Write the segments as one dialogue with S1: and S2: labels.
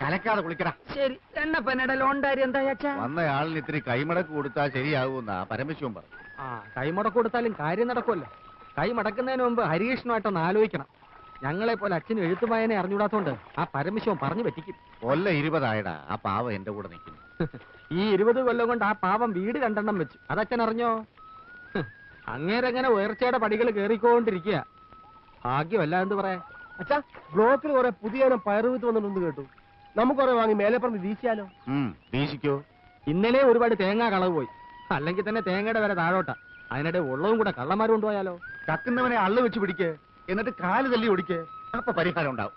S1: കലക്കാതെ കുളിക്കടാ.
S2: ശരി. എണ്ണപ്പനയുടെ ലോൺ കാര്യം എന്താ അച്ഛാ?
S1: വന്നയാളിന് ഇത്തിരി കൈമടക്ക് കൊടുത്താൽ ശരിയാകുമെന്നാ പരമശിവൻ പറഞ്ഞു.
S2: കൈമടക്ക് കൊടുത്താലും കാര്യം നടക്കുമല്ലോ. കൈ മടക്കുന്നതിന് മുമ്പ് ഹരികൃഷ്ണമായിട്ടൊന്ന് ആലോചിക്കണം. ഞങ്ങളെ പോലെ അച്ഛന് എഴുത്തുമായനെ അറിഞ്ഞൂടാത്തോണ്ട് ആ പരമശിവൻ പറഞ്ഞു പറ്റിക്കും.
S1: കൊല്ല 20 ആയടാ. ആ പാവം എന്റെ കൂടെ നിൽക്കുന്നു.
S2: ഈ 20 കൊല്ലം കൊണ്ട് ആ പാവം വീട് 2 വെച്ചു. അതച്ഛൻ അറിഞ്ഞോ? അങ്ങേരങ്ങനെ ഉയർച്ചയുടെ പടികൾ കയറിക്കൊണ്ടിരിക്കുക. ഭാഗ്യമല്ല എന്ത് പറയാ.
S3: അച്ഛാ, ബ്ലോക്കിൽ കുറെ പുതിയ പയറുവിത്ത് വന്നിട്ടുണ്ട് കേട്ടു. നമുക്ക് കുറെ വാങ്ങി മേലെ പറഞ്ഞ് വീശിയാലോ?
S1: വീശിക്കോ.
S2: ഇന്നലെ ഒരുപാട് തേങ്ങ കളവ് പോയി. അല്ലെങ്കിൽ തന്നെ തേങ്ങയുടെ വില താഴോട്ടാ. അതിനിടെ ഉള്ളതും കൂടെ കള്ളന്മാർ കൊണ്ടുപോയാലോ?
S1: കക്കുന്നവനെ അള്ളു വെച്ച് പിടിക്ക്, എന്നിട്ട് കാല് തല്ലി ഓടിക്ക്. അപ്പൊ പരിഹാരം ഉണ്ടാവും.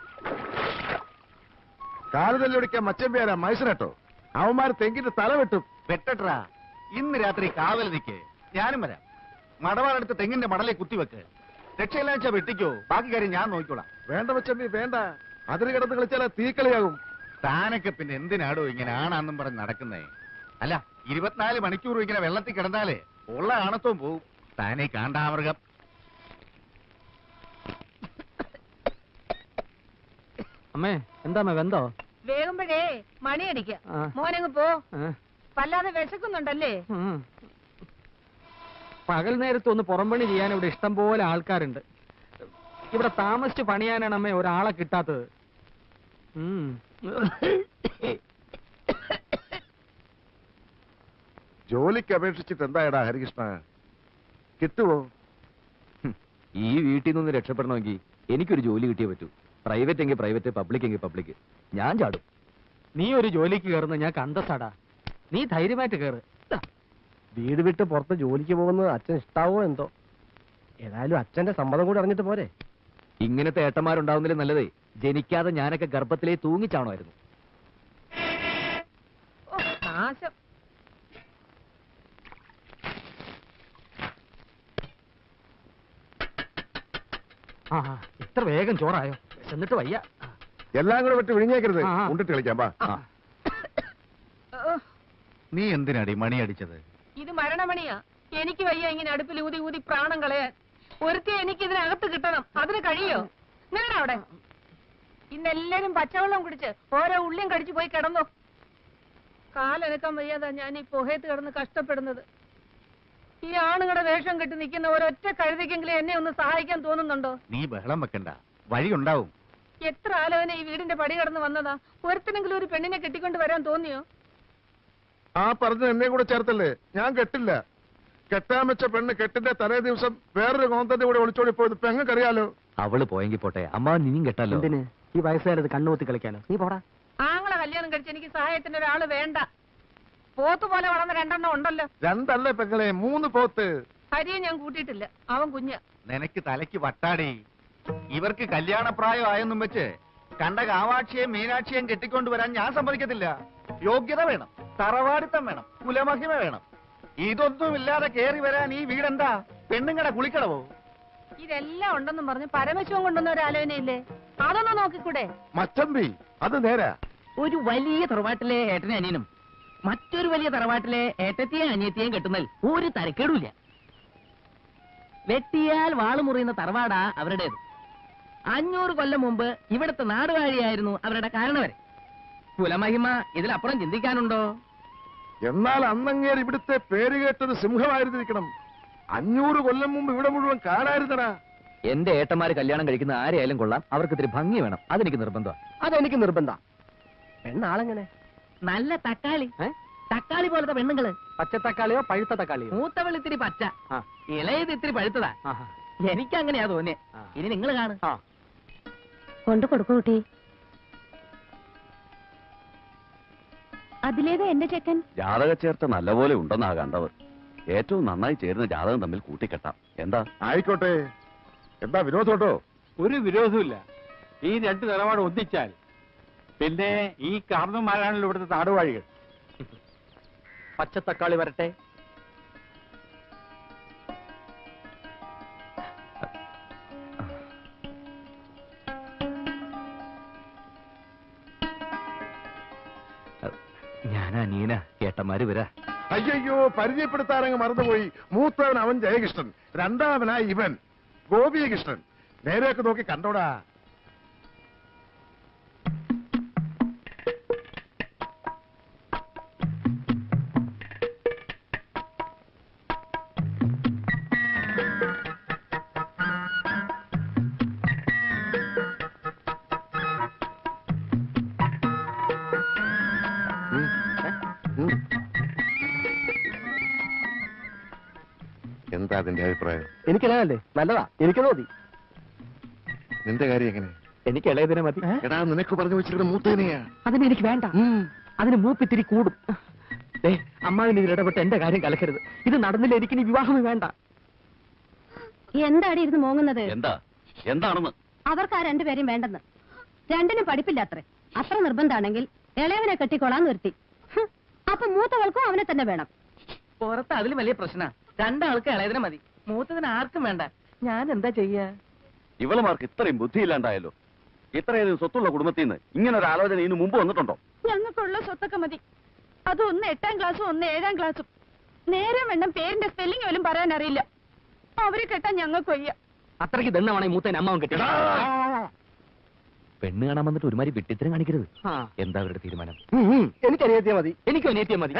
S4: കാല് തല്ലി ഓടിക്കാൻ മച്ചമ്പേരാ മൈസൂരട്ടോ. അവന്മാർ തെങ്ങിന്റെ തല വെട്ടും.
S1: വെട്ടട്ടാ. ഇന്ന് രാത്രി കാവൽ നിൽക്ക്, ഞാനും വരാം. മടവാളെടുത്ത് തെങ്ങിന്റെ മടലെ കുത്തിവെക്ക്. രക്ഷയില്ലാച്ച വെട്ടിക്കോ, ബാക്കി കാര്യം ഞാൻ നോക്കിക്കോളാം.
S4: വേണ്ട മച്ചമ്പി വേണ്ട. അതിന് കിടന്ന് കളിച്ചാൽ തീക്കളിയാകും.
S1: താനൊക്കെ പിന്നെ എന്തിനാടോ ഇങ്ങനെ ആണാന്നും പറഞ്ഞ് നടക്കുന്നേ? അല്ല, 24 മണിക്കൂർ ഇങ്ങനെ വെള്ളത്തിൽ കിടന്നാലേ ഉള്ള ആണത്വം പോവും. താനേ കാണ്ടാമൃഗം.
S2: അമ്മേ എന്താ വെന്തോ?
S5: വേകുമ്പോഴേ മണിയടിക്ക. മോനങ്ങ് പോ. വല്ലാതെ വിശക്കുന്നുണ്ടല്ലേ?
S2: പകൽ നേരത്ത് ഒന്ന് പുറംപണി ചെയ്യാൻ ഇവിടെ ഇഷ്ടം പോലെ ആൾക്കാരുണ്ട്. ഇവിടെ താമസിച്ച് പണിയാനാണ് അമ്മേ ഒരാളെ കിട്ടാത്തത്.
S4: ജോലിക്ക് അപേക്ഷിച്ചിട്ട് എന്തായടാ ഹരികൃഷ്ണ, കിട്ടുവോ?
S6: ഈ വീട്ടിൽ നിന്ന് രക്ഷപ്പെടണമെങ്കിൽ എനിക്കൊരു ജോലി കിട്ടിയേ പറ്റൂ. പ്രൈവറ്റ് എങ്കിൽ പ്രൈവറ്റ്, പബ്ലിക് എങ്കിൽ പബ്ലിക്. ഞാൻ ചാടും.
S2: നീ ഒരു ജോലിക്ക് കയറുന്ന ഞാൻ കണ്ടസാടാ. നീ ധൈര്യമായിട്ട് കയറ്.
S3: വീട് വിട്ട് പുറത്ത് ജോലിക്ക് പോകുന്നത് അച്ഛൻ ഇഷ്ടാവോ എന്തോ. ഏതായാലും അച്ഛന്റെ സമ്മതം കൂടി അറിഞ്ഞിട്ട് പോരെ.
S6: ഇങ്ങനത്തെ ഏട്ടന്മാരുണ്ടാവുന്നതിൽ നല്ലതേ ജനിക്കാതെ ഞാനൊക്കെ ഗർഭത്തിലേ തൂങ്ങിച്ചാണമായിരുന്നു.
S5: നാശം.
S2: ഇത്ര വേഗം ചോറായോ? എന്നിട്ട് വയ്യ.
S4: എല്ലാം കൂടെ വിട്ട് വിഴിഞ്ഞേക്കരുത്. ഉണ്ടിട്ട് കളിക്കാം.
S1: നീ എന്തിനാടി മണി അടിച്ചത്?
S5: ഇത് മരണമണിയാ. എനിക്ക് വയ്യ ഇങ്ങനെ അടുപ്പിൽ ഊതി ഊതി പ്രാണം കളയാൻ. ഒരുത്തി എനിക്ക് ഇതിനകത്ത് കിട്ടണം. അതിന് കഴിയോ? നിങ്ങളുടെ അവിടെ ഇന്നെല്ലാരും പച്ചവെള്ളം കുടിച്ച് ഓരോ ഉള്ളിയും കടിച്ചു പോയി കിടന്നു. കാലനക്കാൻ വയ്യാതാ ഞാൻ ഈ പുഹയത്ത് കിടന്ന് കഷ്ടപ്പെടുന്നത്. ഈ ആണുങ്ങളുടെ വേഷം കെട്ടി നിൽക്കുന്ന ഒരൊറ്റ കഴുതിക്കെങ്കിലും എന്നെ ഒന്ന് സഹായിക്കാൻ തോന്നുന്നുണ്ടോ?
S1: നീ ബഹളം വെക്കണ്ട, വഴിയുണ്ടാവും.
S5: എത്ര ആലോചന ഈ വീടിന്റെ പടി കടന്ന് വന്നതാ. ഒരുത്തിനെങ്കിലും ഒരു പെണ്ണിനെ കെട്ടിക്കൊണ്ട് വരാൻ തോന്നിയോ?
S4: ആ പറഞ്ഞ എന്നെ കൂടെ ചേർത്തല്ലേ. ഞാൻ കെട്ടില്ല. കെട്ടാൻ വെച്ച പെണ്ണ് കെട്ടിന്റെ തലേ ദിവസം വേറൊരു കോന്തന്റെ കൂടെ ഒളിച്ചോടി പോയത് പെങ്ങൾക്കറിയാലോ.
S6: അവള് പോയെങ്കിൽ പോട്ടെ, അമ്മ നീയും കെട്ടല്ലോ.
S2: എന്തിന് ഈ വയസ്സുകാരത് കണ്ണുകൂത്തി കളിക്കാനോ? നീ പോടാ.
S5: ആങ്ങളെ കല്യാണം കഴിച്ച് എനിക്ക് സഹായത്തിന് ഒരാള് വേണ്ട. പോത്ത് പോലെ വളർന്ന 2 ഉണ്ടല്ലോ.
S4: 2 അല്ലേ പെങ്ങളെ, 3 പോത്ത്.
S5: ഹരിയെ ഞാൻ കൂട്ടിയിട്ടില്ല, അവൻ കുഞ്ഞ.
S1: നിനക്ക് തലയ്ക്ക് വട്ടാടി. ഇവർക്ക് കല്യാണപ്രായം ആയെന്നും വെച്ച് കണ്ട കാവാക്ഷിയെയും മീനാക്ഷിയെയും കെട്ടിക്കൊണ്ടുവരാൻ ഞാൻ സമ്മതിക്കത്തില്ല. യോഗ്യത വേണം, തറവാടിത്തം വേണം, കുലമഹിമ വേണം. ഇതൊന്നുമില്ലാതെ കേറി വരാൻ ഈ വീടെന്താ പെണ്ണുങ്ങടെ കുളിക്കടവോ?
S5: ഇതെല്ലാം ഉണ്ടെന്നും പറഞ്ഞ് പരമശിവൻ കൊണ്ടുവന്ന ഒരു ആലോചനയില്ലേ? അതൊന്നും നോക്കിക്കൂടെ?
S4: മച്ചമ്പി അത് നേരാ.
S7: ഒരു വലിയ തറവാട്ടിലെ ഏട്ടനെ അനിയനും മറ്റൊരു വലിയ തറവാട്ടിലെ ഏട്ടത്തെയും അനിയത്തെയും കെട്ടുന്നതിൽ ഒരു തരക്കേടുമില്ല. വെട്ടിയാൽ വാള് മുറിയുന്ന തറവാടാ അവരുടേത്. 500 കൊല്ലം മുമ്പ് ഇവിടുത്തെ നാടുവാഴിയായിരുന്നു അവരുടെ കാരണവരെ. കുലമഹിമ ഇതിലപ്പുറം ചിന്തിക്കാനുണ്ടോ?
S4: എന്നാൽ അന്നങ്ങേർ ഇവിടുത്തെ പേര് കേട്ടൊരു സിംഹമായിരുന്നിരിക്കണം. 500 കൊല്ലം മുമ്പ് ഇവിടെ മുഴുവൻ കാടായിരുന്നടാ.
S6: എന്റെ ഏട്ടന്മാര് കല്യാണം കഴിക്കുന്ന ആരെയായാലും കൊള്ളാം, അവർക്ക് ഇത്തിരി ഭംഗി വേണം. അതെനിക്ക് നിർബന്ധമാണ്.
S3: അതെനിക്ക് നിർബന്ധ. പെണ്ണാളെങ്ങനെ?
S7: നല്ല തക്കാളി, തക്കാളി പോലത്തെ പെണ്ണുങ്ങള്.
S2: പച്ചത്തക്കാളിയോ പഴുത്ത തക്കാളിയോ?
S7: മൂത്തവൾ ഇത്തിരി പച്ച, ഇളയത് ഇത്തിരി പഴുത്തതാ. എനിക്കങ്ങനെയാ തോന്നിയേ. ഇനി നിങ്ങൾ കാണും.
S8: കൊണ്ടു കൊടുക്കൂ കുട്ടി. അതിലേത് എന്റെ ചെക്കൻ?
S6: ജാതക ചേർത്ത നല്ലപോലെ ഉണ്ടെന്നാ കണ്ടവർ. ഏറ്റവും നന്നായി ചേരുന്ന ജാതകം തമ്മിൽ കൂട്ടിക്കെട്ടാം. എന്താ?
S4: ആയിക്കോട്ടെ. എന്താ വിരോധോട്ടോ?
S9: ഒരു വിരോധമില്ല. ഈ 2 നിലപാട് ഒന്നിച്ചാൽ പിന്നെ ഈ കാരണന്മാരാണല്ലോ ഇവിടുത്തെ നാടുവാഴികൾ.
S2: പച്ചത്തക്കാളി വരട്ടെ.
S6: ഞാനാ നീന, ഏട്ടന്മാര് വരാ.
S4: അയ്യോ, പരിചയപ്പെടുത്താനങ്ങ് മറന്നുപോയി. മൂത്തവൻ അവൻ ജയകൃഷ്ണൻ, 2ാമനായി ഇവൻ ഗോപികൃഷ്ണൻ. നേരെയൊക്കെ നോക്കി കണ്ടോടാ. എന്താ അതിന്റെ അഭിപ്രായം?
S3: എനിക്കല്ലേ നല്ലതാ, എനിക്കത് മതി.
S4: നിന്റെ കാര്യം എങ്ങനെ?
S2: എനിക്ക് ഇളയതിനെ മതി.
S4: എടാ നിനക്ക് പറഞ്ഞു വെച്ചിട്ട് മൂത്തേനെയാ.
S2: അതിന് എനിക്ക് വേണ്ട. അതിന് മൂപ്പിത്തിരി കൂടും. അമ്മാവിന് ഇതിൽ ഇടപെട്ട് എന്റെ കാര്യം കലക്കരുത്. ഇത് നടന്നില്ല, എനിക്ക് ഇനി വിവാഹമേ വേണ്ട.
S8: എന്താടി ഇരുന്ന് മോങ്ങുന്നത്?
S6: എന്താണെന്ന്
S8: അവർക്ക് ആ രണ്ടുപേരെയും വേണ്ടെന്ന്. രണ്ടിനും പഠിപ്പില്ല അത്രേ. അത്ര നിർബന്ധാണെങ്കിൽ ഇളയവനെ കെട്ടിക്കോളാൻ നിർത്തി. അപ്പൊ മൂത്തവൾക്കും അവനെ തന്നെ വേണം.
S7: പുറത്ത് അതിലും വലിയ പ്രശ്ന. രണ്ടാൾക്ക് ഇളയതിനെ മതി, മൂത്തതിന് ആർക്കും വേണ്ട. ഞാൻ എന്താ ചെയ്യാ?
S6: ഇവളുമാർക്ക് ഇത്രയും ബുദ്ധിയില്ലാണ്ടായല്ലോ. ഇത്രയധികം സ്വത്തുള്ള കുടുംബത്തിൽ നിന്ന് ഇങ്ങനെ ഒരു ആലോചന ഇതിനു മുമ്പ് വന്നിട്ടുണ്ടോ?
S5: ഞങ്ങൾക്കുള്ള സ്വത്തൊക്കെ മതി. അത് ഒന്ന് 8ാം ക്ലാസ്സും ഒന്ന് 7ാം ക്ലാസ്സും. നേരം വേണം പേരിന്റെ സ്പെല്ലിംഗ് പോലും പറയാൻ അറിയില്ല. അവരെ കെട്ടാൻ ഞങ്ങൾക്ക് വയ്യ.
S2: അത്രയ്ക്ക് ദണ്ണമാണ് ഈ മൂത്തേനെ അമ്മാവൻ കെട്ടി.
S6: പെണ്ണ് കാണാൻ വന്നിട്ട് ഒരുമാതിരി വിട്ടിത്തരം കാണിക്കരുത്. എന്താ അവരുടെ തീരുമാനം?
S3: എനിക്ക് അനിയത്തിയാ മതി.
S2: എനിക്കും അനിയത്തിയാ മതി.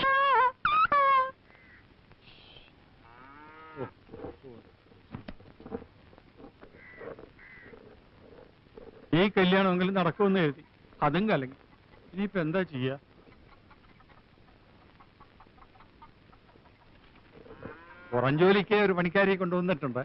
S9: ഈ കല്യാണമെങ്കിലും നടക്കുമെന്ന് എഴുതി, അതും കലങ്ങി. ഇനിയിപ്പോ എന്താ ചെയ്യാ? പുറം ജോലിക്ക് ഒരു പണിക്കാരിയെ കൊണ്ടുവന്നിട്ടുണ്ട്.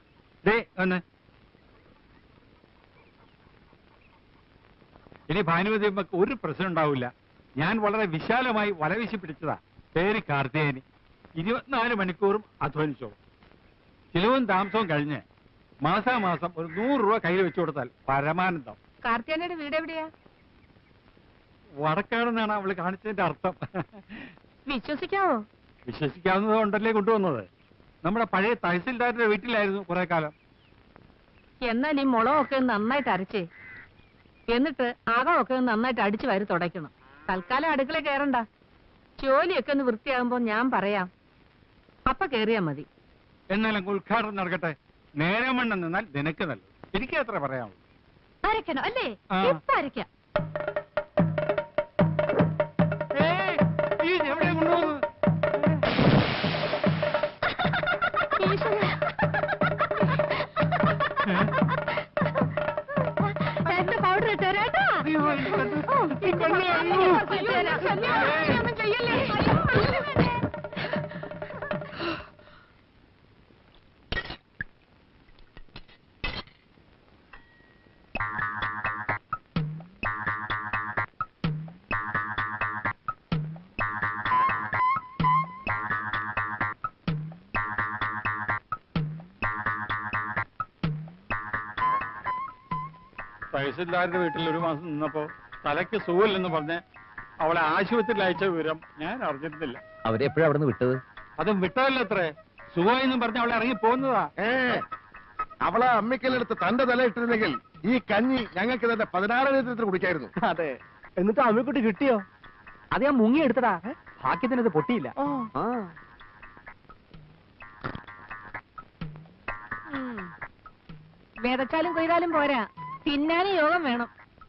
S9: ഇനി ഭാനുമതി അമ്മക്ക് ഒരു പ്രശ്നം ഉണ്ടാവില്ല. ഞാൻ വളരെ വിശാലമായി വലവീശി പിടിച്ചതാ. പേര് കാർത്തികേയനി. 24 മണിക്കൂറും അധ്വാനിച്ചോളും. ചിലവും താമസവും കഴിഞ്ഞ് മാസാമാസം ഒരു 100 രൂപ കയ്യിൽ വെച്ചു കൊടുത്താൽ പരമാനന്ദം.
S5: കാർത്തിയാനയുടെ വീട് എവിടെയാ?
S9: വടക്കാണെന്നാണ് അവള് കാണിച്ചതിന്റെ അർത്ഥം.
S5: വിശ്വസിക്കാവോ?
S9: വിശ്വസിക്കാവുന്നത് കൊണ്ടല്ലേ കൊണ്ടുവന്നത്. നമ്മുടെ പഴയ തഹസിൽദാരുടെ വീട്ടിലായിരുന്നു കുറെ കാലം.
S5: എന്നാൽ ഈ മുളകൊക്കെ നന്നായിട്ട് അരച്ചേ, എന്നിട്ട് അകമൊക്കെ നന്നായിട്ട് അടിച്ചു വാരി തുടയ്ക്കണം. തൽക്കാലം അടുക്കള കയറണ്ട. ജോലിയൊക്കെ ഒന്ന് വൃത്തിയാകുമ്പോ ഞാൻ പറയാം, അപ്പ കേറിയാ മതി.
S9: എന്നാലും ഉദ്ഘാടനം നടക്കട്ടെ. നേരം വണ്ണം നിന്നാൽ നിനക്ക് നല്ലത്. എനിക്ക് അത്ര പറയാമോ?
S8: അരക്കണോ അല്ലേ? ഇപ്പൊ അരക്കാം.
S9: എവിടെ കൊണ്ടുപോകുന്നത്?
S8: പൗഡർ ഇട്ടേരാട്ടാ.
S9: തഹസിൽദാരുടെ വീട്ടിൽ ഒരു മാസം നിന്നപ്പോ തലയ്ക്ക് സുഖമില്ലെന്ന് പറഞ്ഞ് അവളെ ആശുപത്രിയിൽ അയച്ച വിവരം ഞാൻ അറിഞ്ഞിരുന്നില്ല.
S6: അവരെ എപ്പോഴാ അവിടെ നിന്ന് വിട്ടത്?
S9: അതും വിട്ടതല്ല അത്രേ. സുഖമായെന്നും പറഞ്ഞ് അവളെ ഇറങ്ങി പോകുന്നതാ.
S4: അവളെ അമ്മിക്കലെടുത്ത് തന്റെ തല ഇട്ടിരുന്നെങ്കിൽ ഈ കഞ്ഞി ഞങ്ങൾക്ക് തന്നെ 16 ലിറ്റർ കുടിക്കായിരുന്നു.
S3: അതെ. എന്നിട്ട് അമ്മക്കുട്ടി കിട്ടിയോ?
S2: അത് ഞാൻ മുങ്ങി എടുത്തടാ. ഭാഗ്യത്തിന് അത് പൊട്ടിയില്ല.
S5: വിതച്ചാലും കൊയ്താലും പോരാ, തിന്നാനും യോഗം വേണം.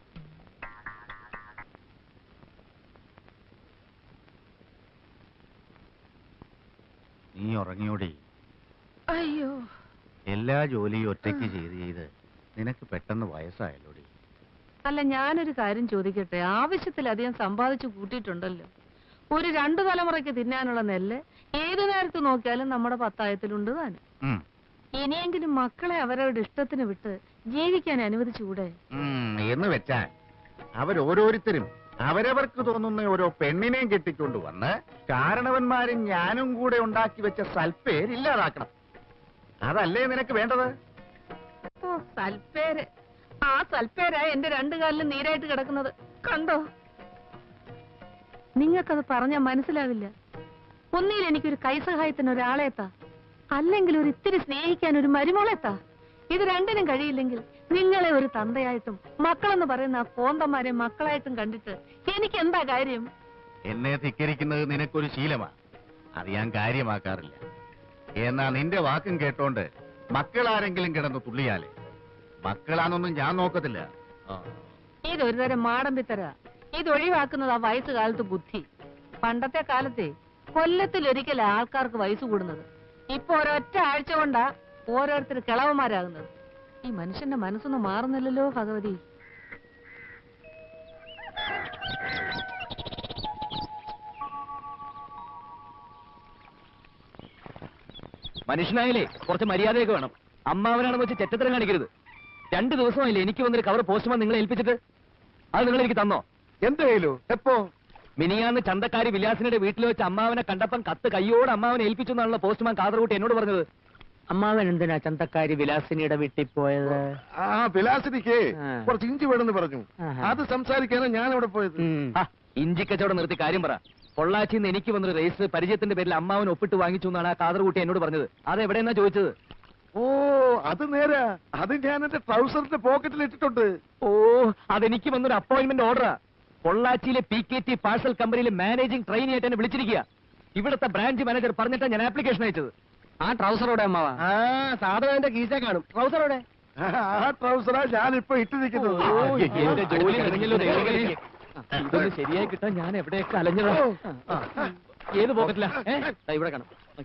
S1: നീ ഉറങ്ങിയോടി?
S5: അയ്യോ,
S1: എല്ലാ ജോലിയും ഒറ്റയ്ക്ക് ചെയ്ത് നിനക്ക് പെട്ടെന്ന് വയസ്സായല്ലോടി.
S5: അല്ല, ഞാനൊരു കാര്യം ചോദിക്കട്ടെ. ആവശ്യത്തിലധികം സമ്പാദിച്ചു കൂട്ടിയിട്ടുണ്ടല്ലോ. ഒരു 2 തലമുറയ്ക്ക് തിന്നാനുള്ള നെല്ല് ഏതു നേരത്ത് നോക്കിയാലും നമ്മുടെ പത്തായത്തിലുണ്ട് താനും. ഇനിയെങ്കിലും മക്കളെ അവരവരുടെ ഇഷ്ടത്തിന് വിട്ട് ജീവിക്കാൻ അനുവദിച്ചുകൂടെ?
S1: എന്ന് വെച്ചാൽ അവരോരോരുത്തരും അവരവർക്ക് തോന്നുന്ന ഓരോ പെണ്ണിനെയും കെട്ടിക്കൊണ്ടുവന്ന് കാരണവന്മാരും ഞാനും കൂടെ ഉണ്ടാക്കി വെച്ച സൽപ്പേര് ഇല്ലാതാക്കണം. അതല്ലേ നിനക്ക് വേണ്ടത്?
S5: ഓ, സൽപ്പേര്. ആ സൽപ്പേരാ എന്റെ 2 കാലിലും നീരായിട്ട് കിടക്കുന്നത്. കണ്ടോ? നിങ്ങൾക്കത് പറഞ്ഞാൽ മനസ്സിലാവില്ല. ഒന്നിൽ എനിക്കൊരു കൈസഹായത്തിന് ഒരാളെത്താ, അല്ലെങ്കിൽ ഒരു ഇത്തിരി സ്നേഹിക്കാൻ ഒരു മരുമോളെത്താ. ഇത് രണ്ടിനും കഴിയില്ലെങ്കിൽ നിങ്ങളെ ഒരു തന്തയായിട്ടും മക്കളെന്ന് പറയുന്ന ആ കോന്തന്മാരെ മക്കളായിട്ടും കണ്ടിട്ട് എനിക്ക് എന്താ കാര്യം?
S1: എന്നെ ധിക്കരിക്കുന്നത് നിനക്കൊരു ശീലമാണ്. അത് ഞാൻ കാര്യമാക്കാറില്ല. എന്നാ നിന്റെ വാക്കും കേട്ടോണ്ട് മക്കളാരെങ്കിലും കിടന്ന് തുള്ളിയാലേ മക്കളാന്നൊന്നും ഞാൻ നോക്കത്തില്ല.
S5: ഇതൊരു തരം മാടമ്പിത്തര. ഇത് ഒഴിവാക്കുന്നത് ആ വയസ്സുകാലത്ത് ബുദ്ധി. പണ്ടത്തെ കാലത്തെ കൊല്ലത്തിലൊരിക്കൽ ആൾക്കാർക്ക് വയസ്സ് കൂടുന്നത്. ഇപ്പൊ ഒരൊറ്റ ആഴ്ച കൊണ്ടാ ഓരോരുത്തർ കിളവന്മാരാകുന്നത്. ഈ മനുഷ്യന്റെ മനസ്സൊന്നും മാറുന്നില്ലല്ലോ ഭഗവതി.
S6: മനുഷ്യനായാലേ കുറച്ച് മര്യാദയൊക്കെ വേണം. അമ്മാവനാണെന്ന് വെച്ച് ചെറ്റത്തരം കാണിക്കരുത്. 2 ദിവസമായില്ലേ എനിക്ക് വന്നൊരു കവർ പോസ്റ്റ്മാൻ നിങ്ങളെ ഏൽപ്പിച്ചിട്ട്? അത് നിങ്ങൾ എനിക്ക് തന്നോ?
S4: എന്റെ കയ്യിലോ? എപ്പോ?
S6: മിനിയാന്ന് ചന്തക്കാരി വിലാസിനുടെ വീട്ടിൽ വെച്ച് അമ്മാവനെ കണ്ടപ്പം കത്ത് കയ്യോട് അമ്മാവനെ ഏൽപ്പിച്ചു എന്നാണല്ലോ പോസ്റ്റ്മാൻ കാതർകൂട്ടി എന്നോട് പറഞ്ഞത്.
S2: അമ്മാവൻ എന്തിനാ ചന്തക്കാരി വിലാസിനിയുടെ വീട്ടിൽ പോയത്?
S4: ആ വിലാസിനിക്ക്
S2: ആ.
S4: കുറച്ച് ഇഞ്ചി വേണമെന്ന് പറഞ്ഞു.
S2: ആഹാ.
S4: അത് സംസാരിക്കാനാണ് ഞാൻ അവിടെ പോയത്.
S6: ആ, ഇഞ്ചിക്കച്ചവടം നിർത്തി കാര്യം പറ. പൊള്ളാച്ചിന്ന് എനിക്ക് വന്നൊരു രജിസ്റ്റർ പരിചയത്തിന്റെ പേരിൽ അമ്മാവൻ ഒപ്പിട്ട് വാങ്ങിച്ചു എന്നാണ് ആ കാതർകൂട്ടി എന്നോട് പറഞ്ഞത്. അതെവിടെയെന്നാ ചോദിച്ചത്?
S4: ഓ അത് നേരാ. അത് ഞാൻ എന്റെ ട്രൗസറിന്റെ പോക്കറ്റിൽ ഇട്ടിട്ടുണ്ട്.
S6: ഓ, അതെനിക്ക് വന്നൊരു അപ്പോയിന്റ്മെന്റ് ഓർഡറാ. പൊള്ളാച്ചിയിലെ PKT പാഴ്സൽ കമ്പനിയിലെ മാനേജിംഗ് ട്രെയിനി ആയിട്ട് എന്നെ വിളിച്ചിരിക്കുക. ഇവിടുത്തെ ബ്രാഞ്ച് മാനേജർ പറഞ്ഞിട്ടാണ് ഞാൻ ആപ്ലിക്കേഷൻ അയച്ചത്.
S2: ആ ട്രൗസറോടെ അമ്മാവ?
S3: ആ സാധനം എന്റെ കീശ കാണും. ട്രൗസറോടെ?
S4: ആ ട്രൗസറാ ഞാനിപ്പോ ഇട്ടിരിക്കുന്നത്.
S6: എന്റെ ജോലി കഴിഞ്ഞല്ലോ ദൈവമേ. ഇതൊന്ന് ശരിയായി കിട്ടാൻ ഞാൻ എവിടെയൊക്കെ അലഞ്ഞതാ. ഏത് പോക്കറ്റിലാ?
S2: ഇവിടെ കാണും.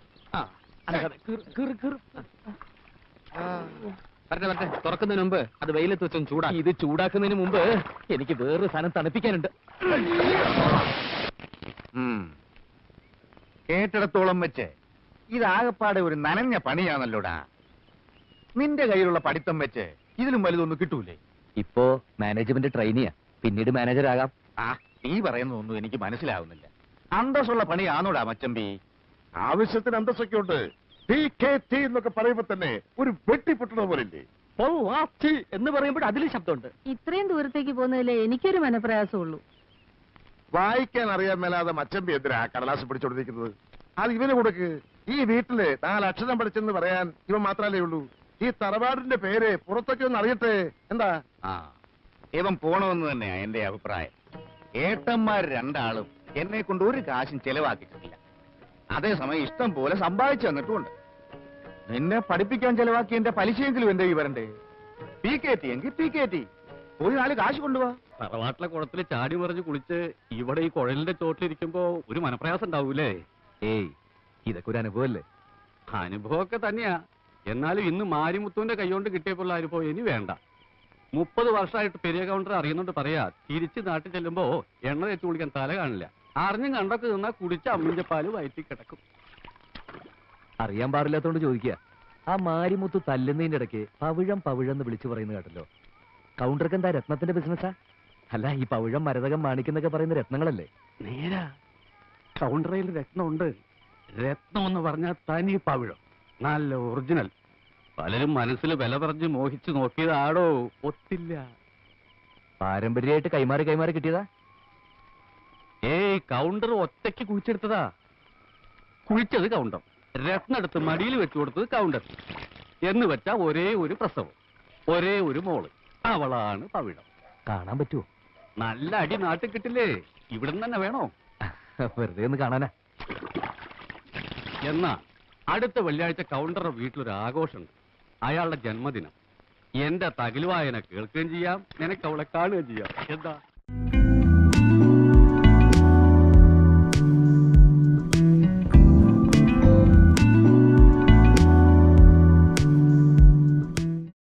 S2: വരട്ടെ വരട്ടെ, തുറക്കുന്നതിന് മുമ്പ് അത് വെയിലത്ത് വെച്ചൊന്ന് ചൂടാ.
S6: ഇത് ചൂടാക്കുന്നതിന് മുമ്പ് എനിക്ക് വേറൊരു സാധനം തണുപ്പിക്കാനുണ്ട്.
S1: കേട്ടിടത്തോളം വെച്ച് ഇതാകപ്പാടെ ഒരു നനഞ്ഞ പണിയാണല്ലോടാ. നിന്റെ കയ്യിലുള്ള പഠിത്തം വെച്ച് ഇതിലും വലുതൊന്നും കിട്ടൂലേ?
S6: ഇപ്പോ മാനേജ്മെന്റ് ട്രെയിനിയാ, പിന്നീട് മാനേജർ ആകാം.
S1: ആ നീ പറയുന്നതൊന്നും എനിക്ക് മനസ്സിലാവുന്നില്ല. അന്തസ്സുള്ള പണിയാണോടാ മച്ചമ്പി?
S4: ആവശ്യത്തിന് അന്തസ്സൊക്കെ ഉണ്ട്. PKT എന്നൊക്കെ പറയുമ്പോ തന്നെ ഒരു വെട്ടിപ്പൊട്ടണ പോലില്ലേ?
S2: പൊള്ളാച്ചി എന്ന് പറയുമ്പോൾ അതിലും ശബ്ദമുണ്ട്.
S5: ഇത്രയും ദൂരത്തേക്ക് പോകുന്നതിലേ എനിക്കൊരു മനപ്രയാസമുള്ളൂ.
S4: വായിക്കാൻ അറിയാൻ മേലാതെ മച്ചമ്പി എന്തിനാ കടലാസ് പിടിച്ചോണ്ടിരിക്കുന്നത്? അത് ഇവന് കൊടുക്ക്. ഈ വീട്ടില് 4 അക്ഷരം പഠിച്ചെന്ന് പറയാൻ ഇവൻ മാത്രല്ലേ ഉള്ളൂ. ഈ തറവാടിന്റെ പേര് പുറത്തൊക്കെ ഒന്ന് അറിയട്ടെ. എന്താ?
S1: ആ ഇവൻ പോണമെന്ന് തന്നെയാ എന്റെ അഭിപ്രായം. ഏട്ടന്മാർ 2 ആളും എന്നെ കൊണ്ട് ഒരു കാശും ചെലവാക്കിയിട്ടില്ല. അതേസമയം ഇഷ്ടം പോലെ സമ്പാദിച്ചു തന്നിട്ടുമുണ്ട്. നിന്നെ പഠിപ്പിക്കാൻ ചെലവാക്കി എന്റെ പലിശയെങ്കിലും എന്റെ ഈ വരണ്ടേ? PKT എങ്കിൽ PKT പോയി 4 കാശ് കൊണ്ടുപോവാ.
S9: തറവാട്ടിലെ കുളത്തിൽ ചാടി മറിഞ്ഞ് കുളിച്ച് ഇവിടെ ഈ കുഴലിന്റെ ചോട്ടിലിരിക്കുമ്പോ ഒരു മനപ്രയാസം ഉണ്ടാവൂലേ?
S6: ഏയ്, ഇതൊക്കെ ഒരു അനുഭവമല്ലേ?
S9: അനുഭവമൊക്കെ തന്നെയാ. എന്നാലും ഇന്ന് മാരിമുത്തുവിന്റെ കൈകൊണ്ട് കിട്ടിയപ്പോൾ അനുഭവം ഇനി വേണ്ട. 30 വർഷമായിട്ട് പെരിയ കൗണ്ടർ അറിയുന്നുണ്ട് പറയാ. തിരിച്ച് നാട്ടിൽ ചെല്ലുമ്പോ എണ്ണ തേച്ച് കുളിക്കാൻ തല കാണില്ല. അറിഞ്ഞും കണ്ടൊക്കെ നിന്നാ കുടിച്ച അമ്മിന്റെ പാല് വയറ്റി കിടക്കും.
S6: അറിയാൻ പാടില്ലാത്തോണ്ട് ചോദിക്കുക. ആ മാരിമുത്ത് തല്ലുന്നതിന്റെ ഇടയ്ക്ക് പവിഴം പവിഴം വിളിച്ചു പറയുന്നത് കേട്ടല്ലോ. കൗണ്ടർക്ക് എന്താ രത്നത്തിന്റെ ബിസിനസ്സാ? അല്ല, ഈ പവിഴം മരതകം മാണിക്കുന്നൊക്കെ പറയുന്ന രത്നങ്ങളല്ലേ?
S9: നേരാ, കൗണ്ടറയിൽ രത്നമുണ്ട്. രത്നം എന്ന് പറഞ്ഞാൽ തനി പവിഴം, നല്ല ഒറിജിനൽ. പലരും മനസ്സിൽ വില പറഞ്ഞ് മോഹിച്ചു നോക്കിയതാടോ, ഒത്തില്ല.
S6: പാരമ്പര്യമായിട്ട് കൈമാറി കൈമാറി കിട്ടിയതാ?
S9: ഏയ്, കൗണ്ടർ ഒറ്റയ്ക്ക് കുഴിച്ചെടുത്തതാ. കുഴിച്ചത് കൗണ്ടർ, രത്നം എടുത്ത് മടിയിൽ വെച്ചു കൊടുത്തത് കൗണ്ടർ. എന്ന് വെച്ചാ ഒരേ ഒരു പ്രസവം, ഒരേ ഒരു മോള്, അവളാണ് പവിഴം.
S6: കാണാൻ പറ്റുമോ?
S9: നല്ല അടി നാട്ടിൽ കിട്ടില്ലേ? ഇവിടുന്ന് തന്നെ വേണോ?
S6: വെറുതെ ഒന്ന് കാണാനാ.
S9: എന്നാ അടുത്ത വെള്ളിയാഴ്ച കൗണ്ടറുടെ വീട്ടിലൊരു ആഘോഷമുണ്ട്. അയാളുടെ ജന്മദിനം. എന്റെ തകിലുവായന കേൾക്കുകയും ചെയ്യാം, നിനക്ക് അവളെ കാണുകയും ചെയ്യാം. എന്താ?